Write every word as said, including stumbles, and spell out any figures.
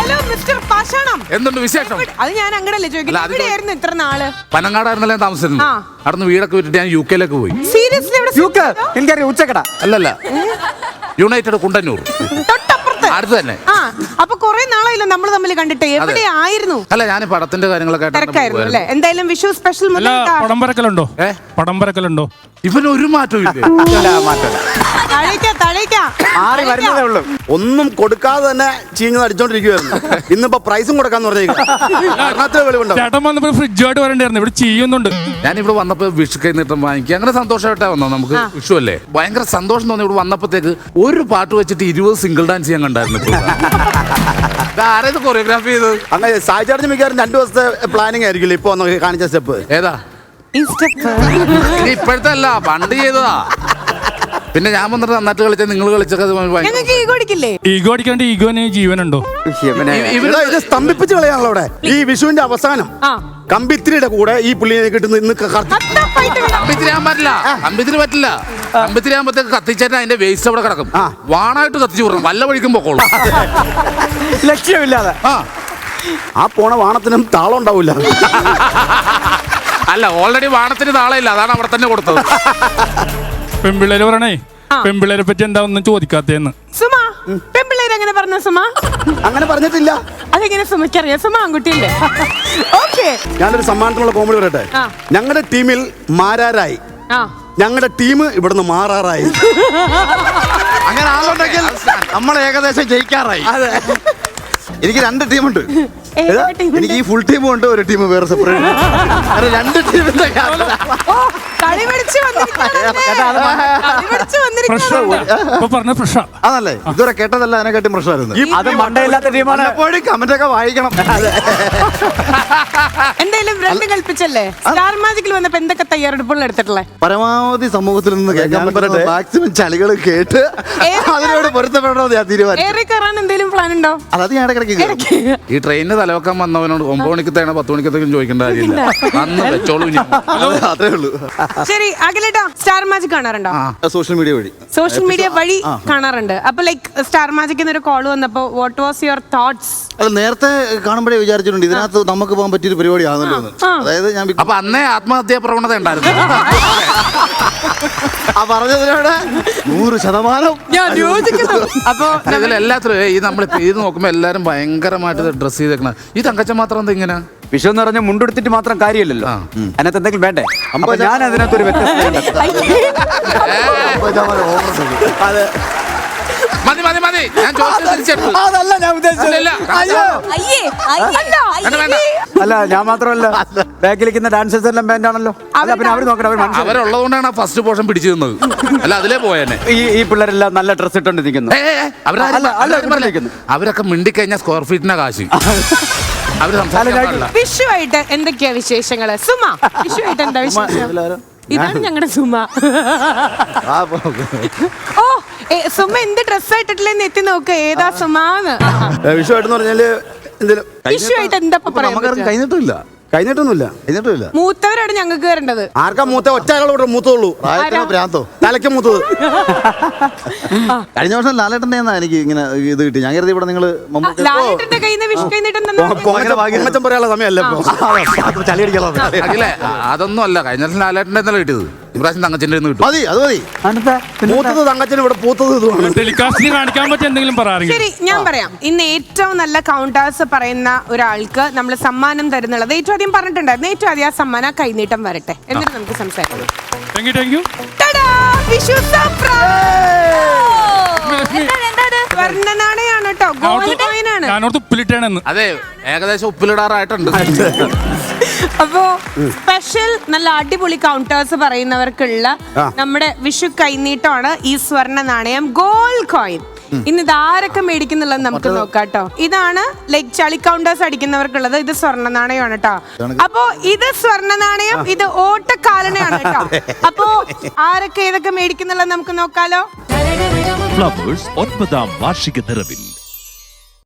Hello mister പാഷാണം, എന്തുണ്ട് വിശേഷം? അത് ഞാൻ അങ്ങടല്ലേ ചോദിക്കുന്നത്, എവിടെയായിരുന്നു ഇത്ര നാള്? പനങ്ങാടായിരുന്നല്ലേ താമസിച്ചിരുന്നത്. അവിടുന്ന് വീടൊക്കെ വിട്ടിട്ട് ഞാൻ യു കെയിലേക്ക് പോയി. സീരിയസ്ലി? എനിക്കറിയാം, ഉച്ചക്കട അല്ലല്ല, യുണൈറ്റഡ് കുണ്ടന്നൂർ അടുത്ത് തന്നെ. ആ, അപ്പൊ കൊറേ നാളായില്ലോ നമ്മൾ തമ്മിൽ കണ്ടിട്ട്. എവിടെയായിരുന്നു? അല്ല, ഞാൻ പടത്തിന്റെ കാര്യങ്ങളൊക്കെ തിരക്കായിരുന്നു അല്ലേ? എന്തായാലും വിഷു സ്പെഷ്യൽ പടം പറക്കലുണ്ടോ? പടം പറക്കലുണ്ടോ? ഇവന് ഒരു മാറ്റവും ഇല്ല. ഒന്നും കൊടുക്കാതെ തന്നെ ചീഞ്ഞ് അടിച്ചോണ്ടിരിക്കുവായിരുന്നു. ഇന്നിപ്പോ പ്രൈസും കൊടുക്കാന്ന് പറഞ്ഞേക്കും. ചേട്ടൻ വന്നപ്പോ ഫ്രിഡ്ജുമായിട്ട് വരണ്ടായിരുന്നു, ഇവിടെ ചെയ്യുന്നുണ്ട്. ഞാനിവിടെ വന്നപ്പോ വിഷു കൈ നീട്ടം വാങ്ങിക്കുക, അങ്ങനെ സന്തോഷമായിട്ടാ വന്നോ. നമുക്ക് വിഷു അല്ലേ, ഭയങ്കര സന്തോഷം തോന്നി. ഇവിടെ വന്നപ്പോഴത്തേക്ക് ഒരു പാട്ട് വെച്ചിട്ട് ഇരുപത് സിംഗിൾ ഡാൻസ് ചെയ്യാൻ കണ്ടായിരുന്നു. ആരേത് കൊറിയോഗ്രാഫി ചെയ്ത്? അങ്ങനെ സായിച്ചാർജ് മിക്കവാറും രണ്ടു ദിവസത്തെ പ്ലാനിങ് ആയിരിക്കില്ല ഇപ്പൊ കാണിച്ച സ്റ്റെപ്പ്. ഏതാ? ഇപ്പോഴത്തെ അല്ല, പണ്ട് ചെയ്തതാ. പിന്നെ ഞാൻ വന്നിട്ട് നന്നായിട്ട് കളിച്ച നിങ്ങൾ കളിച്ചൊക്കെ ഈഗോ അടിക്കാണ്ട് ഈഗോന് ജീവനുണ്ടോ? ഇത് സ്തംഭിപ്പിച്ച് കളയാണല്ലോ അവിടെ. ഈ വിഷുവിന്റെ അവസാനം കമ്പിത്തിരിയുടെ കൂടെ ഈ പുള്ളിയെ കിട്ടുന്ന ഇന്ന് കമ്പിത്തിരിയാൻ പറ്റില്ല. കമ്പിത്തിരി പറ്റില്ല. കമ്പിത്തിരി ആകുമ്പോഴത്തേക്ക് കത്തിച്ചേട്ടാ അതിന്റെ വേസ്റ്റ് അവിടെ കിടക്കും. വാണായിട്ട് കത്തിച്ചു വിടണം, വല്ല വഴിക്കും പൊക്കോളൂ. ലക്ഷ്യമില്ലാതെ ആ പോണ വാണത്തിനും താളം ഉണ്ടാവില്ല. അല്ല, ഓൾറെഡി വാണത്തിന് താളമില്ല, അതാണ് അവിടെ തന്നെ കൊടുത്തത്. പെൺപിള്ളേര് പറയണേ, പെൺപിള്ളേരെ പറ്റി എന്താ ഒന്നും ചോദിക്കാത്തേന്ന്. സുമാ, പെൺപിള്ളേര് അങ്ങനെ പറഞ്ഞ സുമാ? അങ്ങനെ പറഞ്ഞിട്ടില്ല. അതെങ്ങനെ സുമയ്ക്കറിയാം? സുമ ആൺകുട്ടിയല്ലേ? ഓക്കെ, ഞാനൊരു സമ്മാനത്തിനുള്ള കോമഡി പറയട്ടെ. ഞങ്ങളുടെ ടീമിൽ മാരാരായി, ഞങ്ങളുടെ ടീം ഇവിടുന്ന് മാറാറായി. അങ്ങനെ ആളുണ്ടെങ്കിൽ നമ്മൾ ഏകദേശം ജയിക്കാറായി. അതെ, എനിക്ക് രണ്ട് ടീമുണ്ട്. എനിക്ക് ഈ ഫുൾ ടീമും ഉണ്ട്, ഒരു ടീം വേറെ സെപ്പറേറ്റ്. രണ്ട് ടീമിന്റെ അതല്ലേ ഇതുവരെ കേട്ടതല്ല, അതിനെക്കാട്ടി പ്രശ്നമായിരുന്നു. അത് മണ്ടയില്ലാത്ത ടീമാണ്. എപ്പോഴും കമന്റൊക്കെ വായിക്കണം. എന്തായാലും രണ്ട് കൽപ്പിച്ചല്ലേ? സ്റ്റാർ മാജിക്കിൽ വന്നപ്പോ എന്തൊക്കെ തയ്യാറെടുപ്പുകൾ എടുത്തിട്ടുള്ളേ? പരമാവധി സമൂഹത്തിൽ നിന്ന് കേൾക്കാൻ പറ്റട്ടെ, മാക്സിമം ചളികൾ കേട്ട് അതിനോട് പൊരുത്തപ്പെടണമെന്ന് ഞാൻ തീരുമാനിച്ചു. ഏറെ കയറാൻ എന്തെങ്കിലും പ്ലാൻ ഉണ്ടോ? അത് ഞാൻ ഇടയ്ക്കിടയ്ക്ക് ഈ ട്രെയിനിന് തലവെക്കാൻ വന്നവനോട് ഒമ്പത് മണിക്കത്തേണോ പത്ത് മണിക്കത്തേക്കും ചോദിക്കേണ്ട കാര്യമില്ല. അന്ന് വെച്ചോളൂ. അതേ ഉള്ളൂ. ശരി, അഖിലേട്ടാ സ്റ്റാർ മാജിക് കാണാറുണ്ടോ? സോഷ്യൽ മീഡിയ വഴി സോഷ്യൽ മീഡിയ വഴി കാണാറുണ്ട്. അപ്പൊ ലൈക്ക് സ്റ്റാർ മാജിക് എന്നൊരു കോൾ വന്നപ്പോ വാട്ട് വാസ് യുവർ തോട്ട്സ്? അത് നേരത്തെ കാണുമ്പോഴേ വിചാരിച്ചിട്ടുണ്ട് ഇതിനകത്ത് നമുക്ക് പോകാൻ പറ്റിയൊരു പരിപാടി ആണല്ലോ. അതായത് ഞാൻ അപ്പൊ അന്നേ ആത്മഹത്യാ പ്രവണത ഉണ്ടായിരുന്നു. ആ പറഞ്ഞതിനോട് നൂറ് ശതമാനം ഞാൻ യോജിക്കുന്നു. അപ്പൊ ഇതിലെല്ലാത്തിലും ഈ നമ്മൾ ഇത് നോക്കുമ്പോ എല്ലാരും ഭയങ്കരമായിട്ട് ഡ്രസ് ചെയ്തേക്കണ. ഈ തങ്കച്ച മാത്രം എന്താ ഇങ്ങനെ? വിഷു എന്ന് പറഞ്ഞാൽ മുണ്ടെടുത്തിട്ട് മാത്രം കാര്യമില്ലല്ലോ, അതിനകത്ത് എന്തെങ്കിലും വേണ്ടേ? അപ്പൊ ഞാൻ അതിനകത്തൊരു വ്യത്യസ്തത. മതി മതി മതി, ഞാൻ ചോദിച്ചത് അതല്ല ഞാൻ ഉദ്ദേശിച്ചത്. അല്ല, ഞാൻ മാത്രമല്ല, ബാക്കിലിരിക്കുന്ന ഡാൻസേഴ്സ് എല്ലാം ബാൻഡാണല്ലോ. അല്ല, പിന്നെ അവർ നോക്കണം, അവരുള്ളത് കൊണ്ടാണ് ഫസ്റ്റ് പോർഷൻ പിടിച്ചു തന്നത്. അല്ല, അതിലേ പോയേനെ. ഈ ഈ പിള്ളേരെല്ലാം നല്ല ഡ്രസ് ഇട്ടോണ്ട് നിൽക്കുന്നു. അവരൊക്കെ മിണ്ടിക്കഴിഞ്ഞാൽ സ്ക്വയർ ഫീറ്റിനാ കാശ്. അവര് സംസാരിക്കാൻ വിഷുവായിട്ട് എന്തൊക്കെയാ വിശേഷങ്ങള്? സുമ, വിഷുവായിട്ട് എന്താ വിശേഷം? ഇതാണ് ഞങ്ങളുടെ സുമ. ഓ, സുമ എന്ത് ഡ്രസ്സായിട്ടില്ലെന്ന് എത്തി നോക്ക്, ഏതാ സുമാന്ന്. വിഷുവായിട്ട് പറഞ്ഞാല് വിഷുവായിട്ട് എന്താ പറയാൻ? കഴിഞ്ഞിട്ടില്ല കഴിഞ്ഞിട്ടൊന്നുമില്ല കഴിഞ്ഞിട്ടില്ല മൂത്തവരാണ് ഞങ്ങൾക്ക് വരേണ്ടത്. ആർക്കാ മൂത്ത? ഒറ്റയാളോട് മൂത്തുള്ളൂ. ഭ്രാന്തോ? തലയ്ക്ക് മൂത്തത്. കഴിഞ്ഞ വർഷം ലാലേട്ടൻ്റെ എനിക്ക് ഇങ്ങനെ ഇത് കിട്ടി. ഞാൻ കരുതി ഇവിടെ നിങ്ങള് ലാലേട്ടന്റെ കയ്യിൽ നിന്ന് വിഷു പൊങ്ങച്ചം പറയാനുള്ള സമയമല്ല. അതൊന്നും അല്ല, കഴിഞ്ഞ വർഷം ലാലേട്ടൻ്റെ ഇന്നലെ കിട്ടിയത്. ഇപ്രാവശ്യം തങ്കച്ചൻ്റെ കിട്ടും. മതി, അത് മതി. മൂത്തത് തങ്കച്ചന്, ഇവിടെ പൂത്തത് ടെലികാസ്റ്റിന് കാണിക്കാൻ പറ്റിയ എന്തെങ്കിലും പറയാം. ശരി, ഞാൻ പറയാം. ഇന്ന് ഏറ്റവും നല്ല കൗണ്ടേഴ്സ് പറയുന്ന ഒരാൾക്ക് നമ്മൾ സമ്മാനം തരുന്നുള്ളത് ഏറ്റവും ആദ്യം പറഞ്ഞിട്ടുണ്ടായിരുന്നു. ഏറ്റവും ആദ്യം ആ സമ്മാനം കൈനീട്ടം വരട്ടെ, എന്നിട്ട് നമുക്ക് സംസാരിക്കാം. സ്വർണ്ണനാണയാണ് കേട്ടോ, ഗോൾഡ് കോയിൻ ആണ്. അതെ, ഏകദേശം ഉപ്പിലിടാറായിട്ടുണ്ട്. അപ്പോ സ്പെഷ്യൽ നല്ല അടിപൊളി കൗണ്ടേഴ്സ് പറയുന്നവർക്കുള്ള നമ്മുടെ വിഷു കൈനീട്ടമാണ് ഈ സ്വർണ്ണ നാണയം ഗോൾഡ് കോയിൻ. ഇന്ന് ഇത് ആരൊക്കെ മേടിക്കുന്നുള്ളത് നമുക്ക് നോക്കാട്ടോ. ഇതാണ് ലൈക് ചളി കൗണ്ടേഴ്സ് അടിക്കുന്നവർക്കുള്ളത്. ഇത് സ്വർണ്ണ നാണയമാണ് കേട്ടോ. അപ്പോ ഇത് സ്വർണ്ണ നാണയം, ഇത് ഓട്ടക്കാലനയാണ് കേട്ടോ. അപ്പോ ആരൊക്കെ ഏതൊക്കെ മേടിക്കുന്നുള്ളത് നമുക്ക് നോക്കാലോ. ഫ്ലവേഴ്സ് ഒൻപതാം വാർഷിക നിറവിൽ